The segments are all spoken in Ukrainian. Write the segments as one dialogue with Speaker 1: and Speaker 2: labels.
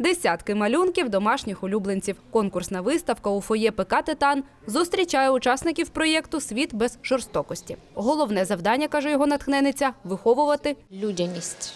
Speaker 1: Десятки малюнків домашніх улюбленців. Конкурсна виставка у фоє ПК «Титан» зустрічає учасників проєкту «Світ без жорстокості». Головне завдання, каже його натхненниця – виховувати
Speaker 2: людяність.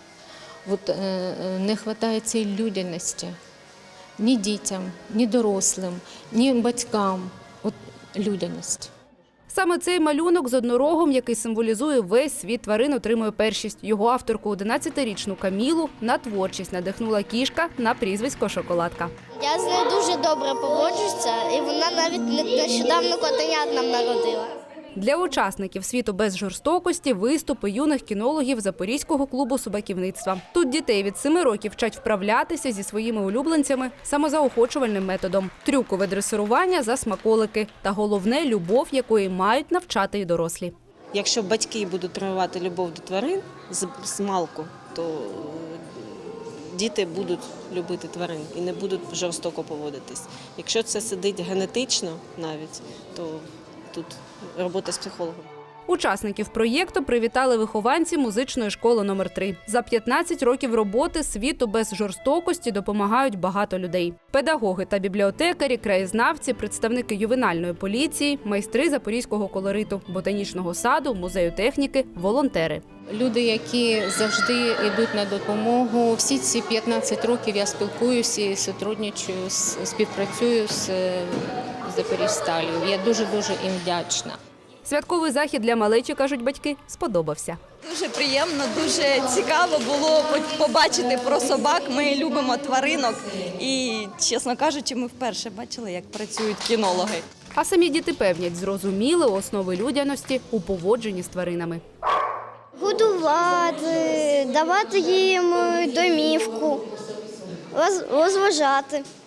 Speaker 2: Не вистачає цієї людяності ні дітям, ні дорослим, ні батькам. Людяність.
Speaker 1: Саме цей малюнок з однорогом, який символізує весь світ тварин, отримує першість. Його авторку 11-річну Камілу на творчість надихнула кішка на прізвисько «Шоколадка».
Speaker 3: Я з нею дуже добре поводжуся, і вона навіть нещодавно котенят нам народила.
Speaker 1: Для учасників «Світу без жорстокості» виступи юних кінологів Запорізького клубу собаківництва. Тут дітей від 7 років вчать вправлятися зі своїми улюбленцями самозаохочувальним методом. Трюкове дресирування за смаколики. Та головне – любов, якої мають навчати і дорослі.
Speaker 4: Якщо батьки будуть прививати любов до тварин з малку, то діти будуть любити тварин і не будуть жорстоко поводитись. Якщо це сидить генетично навіть, то тут робота з психологом.
Speaker 1: Учасників проєкту привітали вихованці музичної школи номер 3. За 15 років роботи «Світу без жорстокості» допомагають багато людей. Педагоги та бібліотекарі, краєзнавці, представники ювенальної поліції, майстри запорізького колориту, ботанічного саду, музею техніки, волонтери.
Speaker 2: Люди, які завжди йдуть на допомогу. Всі ці 15 років я спілкуюся і співпрацюю з Запоріжсталлю. Я дуже-дуже їм вдячна.
Speaker 1: Святковий захід для малечі, кажуть батьки, сподобався.
Speaker 5: Дуже приємно, дуже цікаво було побачити про собак. Ми любимо тваринок і, чесно кажучи, ми вперше бачили, як працюють кінологи.
Speaker 1: А самі діти певнять, зрозуміли основи людяності у поводженні з тваринами.
Speaker 3: Годувати, давати їм домівку, розважати.